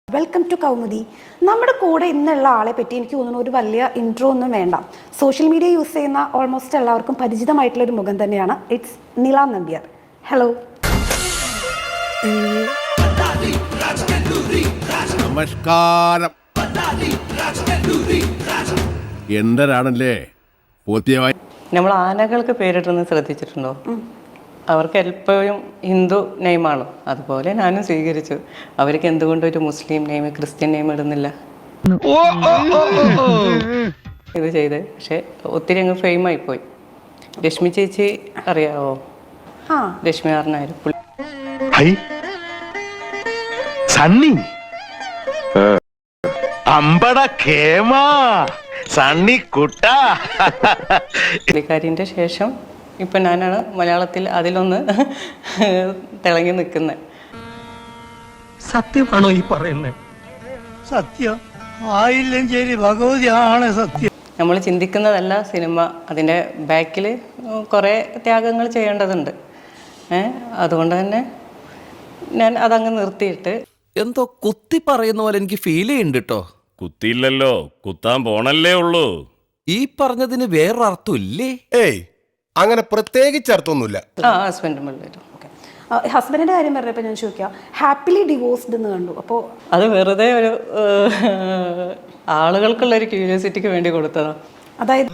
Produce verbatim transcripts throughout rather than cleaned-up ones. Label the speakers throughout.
Speaker 1: Welcome to Kaumudi. നമ്മുടെ കൂടെ ഇന്നുള്ള ആളെ പറ്റി എനിക്ക് തോന്നുന്നു ഒരു വലിയ ഇൻട്രോ ഒന്നും വേണ്ട. സോഷ്യൽ മീഡിയ യൂസ് ചെയ്യുന്ന ഓൾമോസ്റ്റ് എല്ലാവർക്കും പരിചിതമായിട്ടുള്ള ഒരു മുഖം തന്നെയാണ്. ഇറ്റ്സ് നില നമ്പ്യാർ. ഹലോ.
Speaker 2: നമസ്കാരം. എന്തരാണല്ലേ പൂർത്തിയായി.
Speaker 3: നമ്മൾ ആനകൾക്ക് പേരിട്ടെന്ന് ശ്രദ്ധിച്ചിട്ടുണ്ടോ? അവർക്ക് എപ്പോഴും ഹിന്ദു നെയിമാണ്. അതുപോലെ ഞാനും സ്വീകരിച്ചു. അവർക്ക് എന്തുകൊണ്ട് ഒരു മുസ്ലിം നെയിം ക്രിസ്ത്യൻ നെയിം ഇടുന്നില്ല ഇത് ചെയ്ത്. പക്ഷെ ഒത്തിരി അങ്ങ് ഫെയിം ആയിപ്പോയി. രശ്മി ചേച്ചി അറിയാവോ? രശ്മി ആറിനായിരുന്നു പുള്ളിക്കാരിൻ്റെ ശേഷം ഇപ്പൊ ഞാനാണ് മലയാളത്തിൽ അതിലൊന്ന് തിളങ്ങി നിൽക്കുന്നത്.
Speaker 4: സത്യമാണോ ഈ പറയുന്നത്? സത്യം ആയില്ലെങ്കിൽ ഭഗവതിയാണ് സത്യം.
Speaker 3: നമ്മൾ ചിന്തിക്കുന്നതല്ല സിനിമ. അതിൻ്റെ ബാക്കിൽ കുറേ ത്യാഗങ്ങൾ ചെയ്യേണ്ടതുണ്ട്. ഏഹ് അതുകൊണ്ട് തന്നെ ഞാൻ അതങ്ങ് നിർത്തിയിട്ട്
Speaker 5: എന്തോ കുത്തി പറയുന്ന പോലെ എനിക്ക് ഫീൽ ചെയ്യുന്നുണ്ട് കേട്ടോ.
Speaker 6: കുത്തിയില്ലല്ലോ, കുത്താൻ പോണല്ലേ ഉള്ളൂ.
Speaker 5: ഈ പറഞ്ഞതിന് വേറൊരർത്ഥം ഇല്ലേ?
Speaker 2: ഏയ് അങ്ങനെ പ്രത്യേകിച്ച് അർത്ഥമൊന്നുമില്ല.
Speaker 3: ആ ഹസ്ബൻഡും പിള്ളേരും
Speaker 1: ഹസ്ബൻഡിന്റെ കാര്യം പറഞ്ഞപ്പോൾ ഞാൻ ചോദിക്കാം, ഹാപ്പിലി ഡിവോഴ്സ്ഡ് എന്ന് കണ്ടു. അപ്പോൾ
Speaker 3: അത് വെറുതെ ഒരു ആളുകൾക്കുള്ള ഒരു ക്യൂരിയോസിറ്റിക്ക് വേണ്ടി കൊടുത്തതാ.
Speaker 1: അതായത്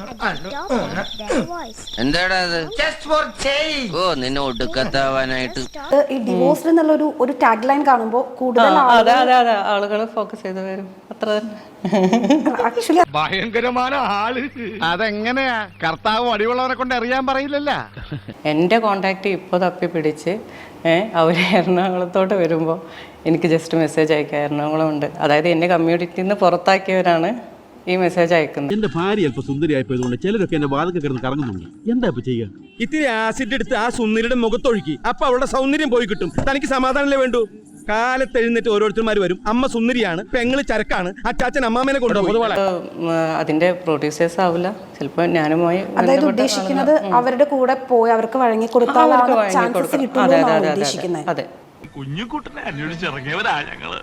Speaker 7: എന്താടാ ഓ നിന്നെ ഒടുക്കത്താവാനായിട്ട്
Speaker 1: ഈ ഡിവോഴ്സ്ഡ് എന്നുള്ള ഒരു ഒരു ടാഗ് ലൈൻ കാണുമ്പോൾ കൂടുതൽ
Speaker 3: അതെ അതെ അതെ ആളുകൾ ഫോക്കസ് ചെയ്ത് വരും. അത്ര തന്നെ.
Speaker 1: ആക്ച്വലി
Speaker 8: ഭയങ്കരമായ ആള്. അതെങ്ങനെയാ കർത്താവ് അടിയുള്ളവരെ കൊണ്ട് അറിയാൻ പറയില്ലല്ല.
Speaker 3: എൻ്റെ കോണ്ടാക്ട് ഇപ്പോൾ തപ്പി പിടിച്ച് ഏഹ് അവർ എറണാകുളത്തോട്ട് വരുമ്പോൾ എനിക്ക് ജസ്റ്റ് മെസ്സേജ് അയക്കാം. എറണാകുളം ഉണ്ട്. അതായത് എന്നെ കമ്മ്യൂണിറ്റിയിൽ നിന്ന് പുറത്താക്കിയവരാണ് ഈ മെസ്സേജ് അയക്കുന്നത്.
Speaker 9: എന്റെ ഭാര്യ അല്പം സുന്ദരിയായപ്പോയതുകൊണ്ട് ചിലരൊക്കെ എന്റെ വാതൊക്കെ കിടന്ന് കറങ്ങുന്നുണ്ട്. എന്താ ഇപ്പൊ ചെയ്യുക? ഇത്തിരി ആസിഡ് എടുത്ത് ആ സുന്ദരിയുടെ മുഖത്തൊഴുക്കി. അപ്പൊ അവളുടെ സൗന്ദര്യം പോയി കിട്ടും. തനിക്ക് സമാധാനമല്ലേ വേണ്ടു? കാലത്ത് എഴുന്നേറ്റ് ഓരോരുത്തർമാർ വരും. അമ്മ സുന്ദരിയാണ്, പെങ്ങള് ചരക്കാണ്, അച്ചാച്ചൻ അമ്മാമേനെ കൊണ്ടുപോകും.
Speaker 3: അതിന്റെ പ്രൊഡ്യൂസേഴ്സ് ആവില്ല ചിലപ്പോൾ ഞാനുമായി.
Speaker 1: അതായത് ഉദ്ദേശിക്കുന്നത് അവരുടെ കൂടെ പോയി അവർക്ക് വഴങ്ങി കൊടുത്താലാണ് ചാൻസസ് കിട്ടുന്നത് ഉദ്ദേശിക്കുന്നത്.
Speaker 3: അതെ.
Speaker 8: കുഞ്ഞുകുട്ടനെ അന്വേഷിച്ചിറങ്ങിയവരാ ഞങ്ങള്.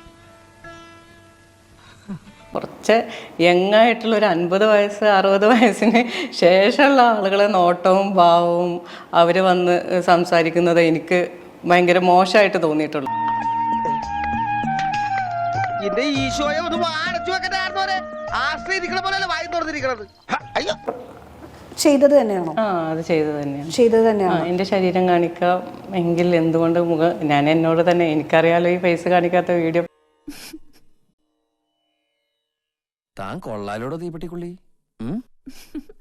Speaker 3: കുറച്ച് യങ്ങായിട്ടുള്ള ഒരു അൻപത് വയസ്സ് അറുപത് വയസ്സിന് ശേഷമുള്ള ആളുകളെ നോട്ടവും ഭാവവും അവർ വന്ന് സംസാരിക്കുന്നത് എനിക്ക് ഭയങ്കര മോശമായിട്ട് തോന്നിയിട്ടുള്ളൂ.
Speaker 1: ചെയ്തത് തന്നെയാണോ?
Speaker 3: ആ അത് ചെയ്തത് തന്നെയാണ്.
Speaker 1: ചെയ്തത് തന്നെയാണ്.
Speaker 3: എൻ്റെ ശരീരം കാണിക്കാം എങ്കിൽ എന്തുകൊണ്ട് മുഖം ഞാൻ എന്നോട് തന്നെ എനിക്കറിയാലോ ഈ ഫേസ് കാണിക്കാത്ത വീഡിയോ.
Speaker 5: താൻ കൊള്ളാലോടോ തീപ്പെട്ടിക്കുള്ളി.